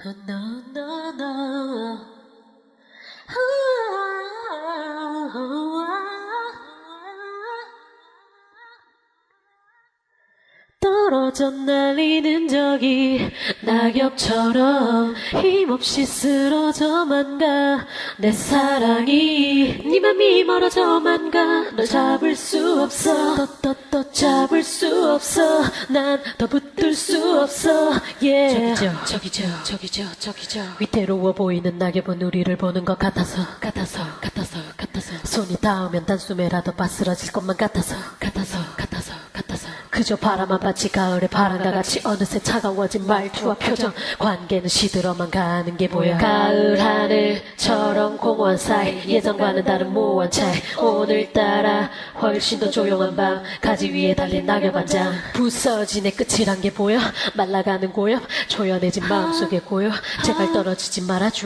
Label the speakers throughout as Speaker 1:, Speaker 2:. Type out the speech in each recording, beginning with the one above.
Speaker 1: No, no, no. 떨어져 날리는 적이 낙엽처럼 힘없이 쓰러져만 가. 내 사랑이 네 맘이 멀어져만 가. 널 잡을 수 없어. 또 잡을 수 없어. 난 더 붙들 수 없어. Yeah. 저기죠. 위태로워 보이는 낙엽은 우리를 보는 것 같아서 손이 닿으면 단숨에라도 바스러질 것만 같아서 그저 바라만 봤지. 가을의 바람과 같이 어느새 차가워진 말투와 표정. 관계는 시들어만 가는 게 보여. 가을 하늘처럼 공허한 사이, 예전과는 다른 무한 차이. 오늘따라 훨씬 더 조용한 밤, 가지 위에 달린 낙엽 한 장. 부서진 애 끝이란 게 보여. 말라가는 고엽, 조연해진 마음속의 고요. 제발 떨어지지 말아줘.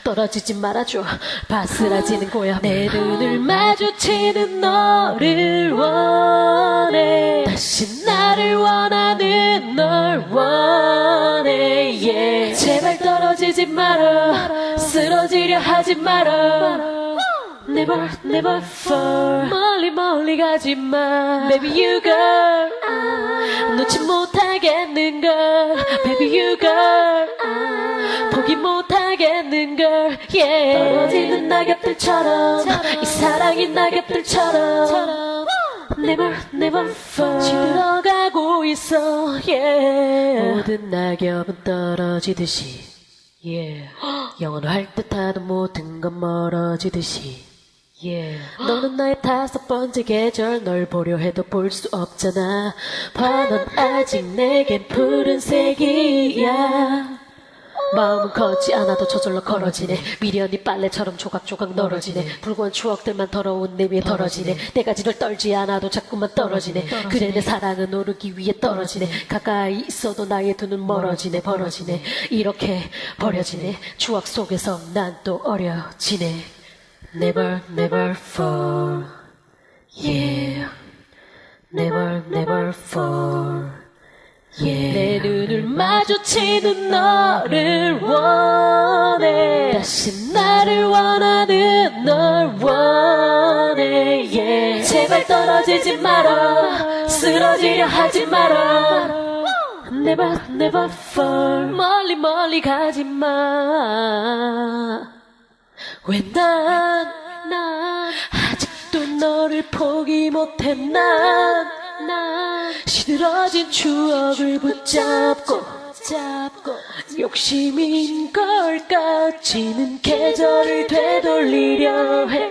Speaker 1: 바스라지는 고엽. 내 눈을 마주치는 너를 원해. 다시 나를 원하는 널 원해. Yeah. 제발 떨어지지 마라. 쓰러지려 하지 마라. Never fall. 멀리 가지 마. Baby you girl. 놓지 못하겠는 걸. Baby you girl. 포기 못하겠는 걸. Yeah. 떨어지는 낙엽들처럼, 이 사랑인 낙엽들처럼 Never fall. 지들어가고 있어. Yeah. 모든 낙엽은 떨어지듯이. Yeah. 영원할 듯하던 모든 건 멀어지듯이. Yeah. 너는 나의 5번째 계절. 널 보려 해도 볼 수 없잖아. 넌 아직 내겐 푸른색이야. 마음은 걷지 않아도 저절로 걸어지네. 미련이 빨래처럼 조각조각 널어지네. 불고한 추억들만 더러운 내 위에 덜어지네. 내가 지를 떨지 않아도 자꾸만 떨어지네. 그래 내 사랑은 오르기 위해 떨어지네. 가까이 있어도 나의 두 눈 멀어지네. 벌어지네. 이렇게 버려지네. 추억 속에서 난 또 어려지네. Never fall. Yeah. Never fall. Yeah. 내 눈을 마주치는 너를 원해. 다시 나를 원하는 널 원해. Yeah. 제발 떨어지지 마라. 쓰러지려 하지 마라. Never fall. 멀리 가지 마. 왜 난 아직도 너를 포기 못해. 난 시들어진 추억을 붙잡고 욕심인 걸까. 지는 계절을 되돌리려 해.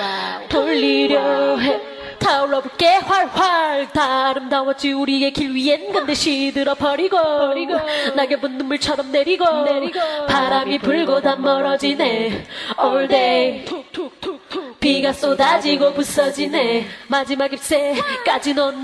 Speaker 1: 타올라볼게 활활. 다 아름다웠지 우리의 길 위엔. 근데 시들어 버리고 낙엽은 눈물처럼 내리고 바람이 불고 다 멀어지네. All day 비가 쏟아지고 부서지네. 마지막 잎새까지 넌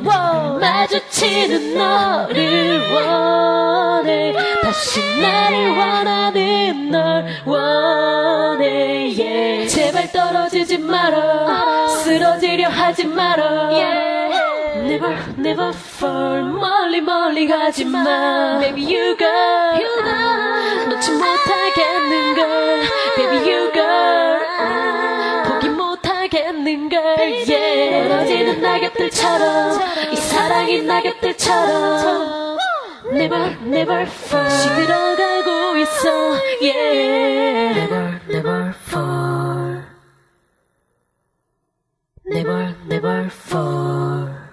Speaker 1: 마주치는 너를 원해. 다시 나를 원하는 널 원해. Yeah. 제발 떨어지지 마라. 쓰러지려 하지 마라. Yeah. Never fall. 멀리 가지 마. Baby you girl. 놓지 못하겠는 걸. Baby you girl. 포기 못하겠는 걸. Yeah. 떨어지는 낙엽들처럼, 이 사랑인 낙엽들처럼 Never fall. 시들어가고 있어. Yeah. Never fall. Never fall.